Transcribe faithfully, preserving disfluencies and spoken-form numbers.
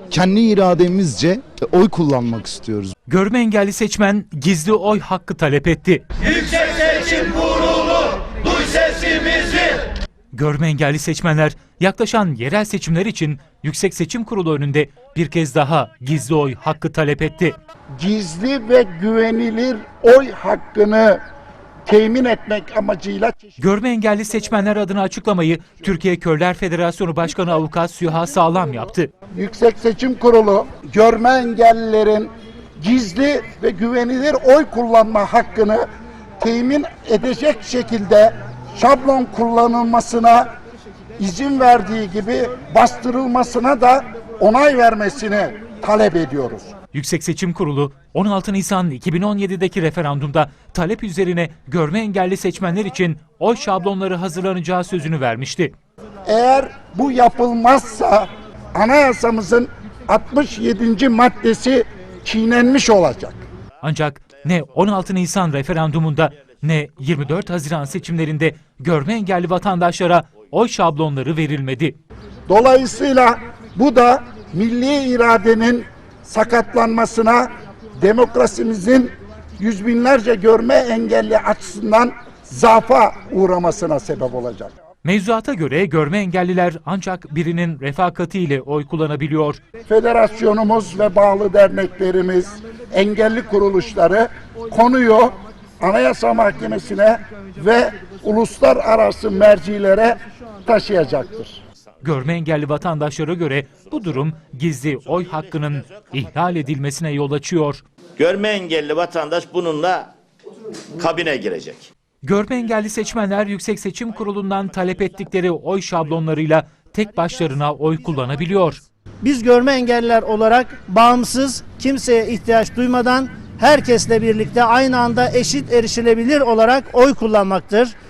Kendi irademizce oy kullanmak istiyoruz. Görme engelli seçmen gizli oy hakkı talep etti. Yüksek Seçim Kurulu, duy sesimizi. Görme engelli seçmenler yaklaşan yerel seçimler için Yüksek Seçim Kurulu önünde bir kez daha gizli oy hakkı talep etti. Gizli ve güvenilir oy hakkını temin etmek amacıyla Görme engelli seçmenler adına açıklamayı Türkiye Körler Federasyonu Başkanı Avukat Süha Sağlam yaptı. Yüksek Seçim Kurulu görme engellilerin gizli ve güvenilir oy kullanma hakkını temin edecek şekilde şablon kullanılmasına izin verdiği gibi bastırılmasına da onay vermesini talep ediyoruz. Yüksek Seçim Kurulu on altı Nisan iki bin on yedi'deki referandumda talep üzerine görme engelli seçmenler için oy şablonları hazırlanacağı sözünü vermişti. Eğer bu yapılmazsa anayasamızın altmış yedinci maddesi çiğnenmiş olacak. Ancak ne on altı Nisan referandumunda ne yirmi dört Haziran seçimlerinde görme engelli vatandaşlara oy şablonları verilmedi. Dolayısıyla bu da milli iradenin sakatlanmasına, demokrasimizin yüz binlerce görme engelli açısından zaafa uğramasına sebep olacak. Mevzuata göre görme engelliler ancak birinin refakatiyle oy kullanabiliyor. Federasyonumuz ve bağlı derneklerimiz, engelli kuruluşları konuyu Anayasa Mahkemesi'ne ve uluslararası mercilere taşıyacaktır. Görme engelli vatandaşlara göre bu durum gizli oy hakkının ihlal edilmesine yol açıyor. Görme engelli vatandaş bununla kabine girecek. Görme engelli seçmenler Yüksek Seçim Kurulu'ndan talep ettikleri oy şablonlarıyla tek başlarına oy kullanabiliyor. Biz görme engelliler olarak bağımsız, kimseye ihtiyaç duymadan herkesle birlikte aynı anda eşit erişilebilir olarak oy kullanmaktır.